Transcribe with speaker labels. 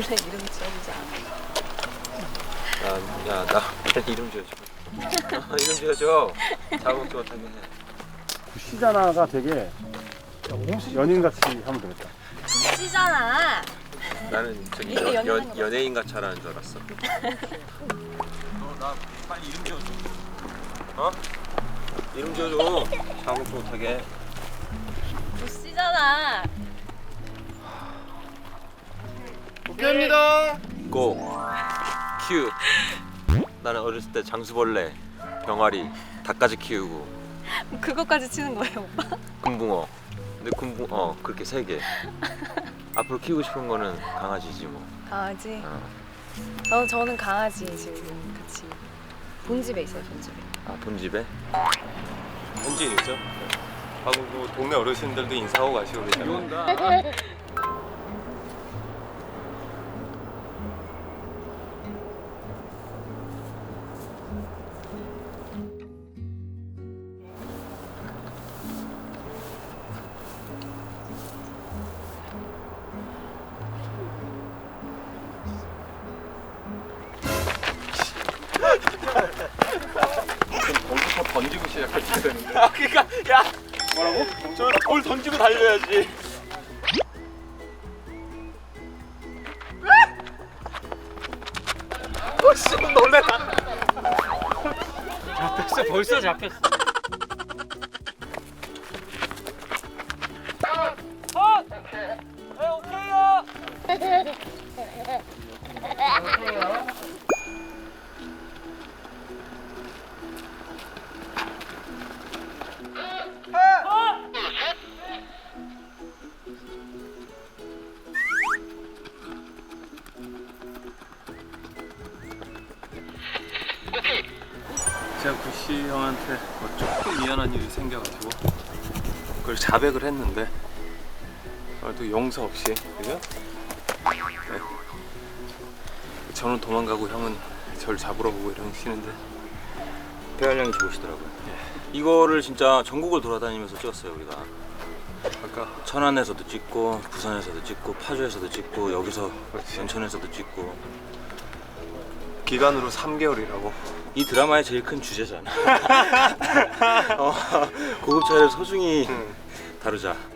Speaker 1: 원래 이름 지어주지 않아.
Speaker 2: 야, 나 이름 지어줘. 이름 지어줘. 자국도 못하게 해.
Speaker 3: 시자나가 되게 연인같이 하면 되겠다.
Speaker 1: 씨잖아.
Speaker 2: 나는 저기
Speaker 1: 이게 연예인 같아.
Speaker 2: 연예인 같이 하라는 줄 알았어. 너 나 빨리 이름 지어줘. 어? 이름 지어줘. 자국도 못하게.
Speaker 1: 씨잖아.
Speaker 3: 오케이입니다.
Speaker 2: 고. 큐. 나는 어렸을 때 장수벌레, 병아리, 닭까지 키우고
Speaker 1: 그거까지 치는 거예요, 오빠?
Speaker 2: 금붕어. 근데 금붕어 그렇게 3개. 앞으로 키우고 싶은 거는 강아지지 뭐.
Speaker 1: 강아지?
Speaker 2: 어.
Speaker 1: 저는 강아지 지금 같이 본집에 있어요, 본집에.
Speaker 2: 아 본집에?
Speaker 4: 현지인이죠? 하고 그 동네 어르신들도 인사하고 가시고 계시잖아요.
Speaker 3: 거기서 던지고 시작했어야 되는데.
Speaker 4: 아 그니까 야 뭐라고? 저 돌 던지고 달려야지. 오씨 놀래라.
Speaker 3: 잡혔어, 벌써 잡혔어.
Speaker 4: 제가 구씨 형한테 뭐 조금 미안한 일이 생겨가지고 그걸 자백을 했는데 또 용서 없이 그죠? 네. 저는 도망가고 형은 저를 잡으러 오고 이러시는데
Speaker 2: 배알량이 좋으시더라고요. 이거를 진짜 전국을 돌아다니면서 찍었어요 우리가.
Speaker 4: 아까
Speaker 2: 천안에서도 찍고 부산에서도 찍고 파주에서도 찍고 여기서
Speaker 4: 그렇지.
Speaker 2: 연천에서도 찍고.
Speaker 4: 기간으로 3개월이라고.
Speaker 2: 이 드라마의 제일 큰 주제잖아. 고급차를 소중히 다루자.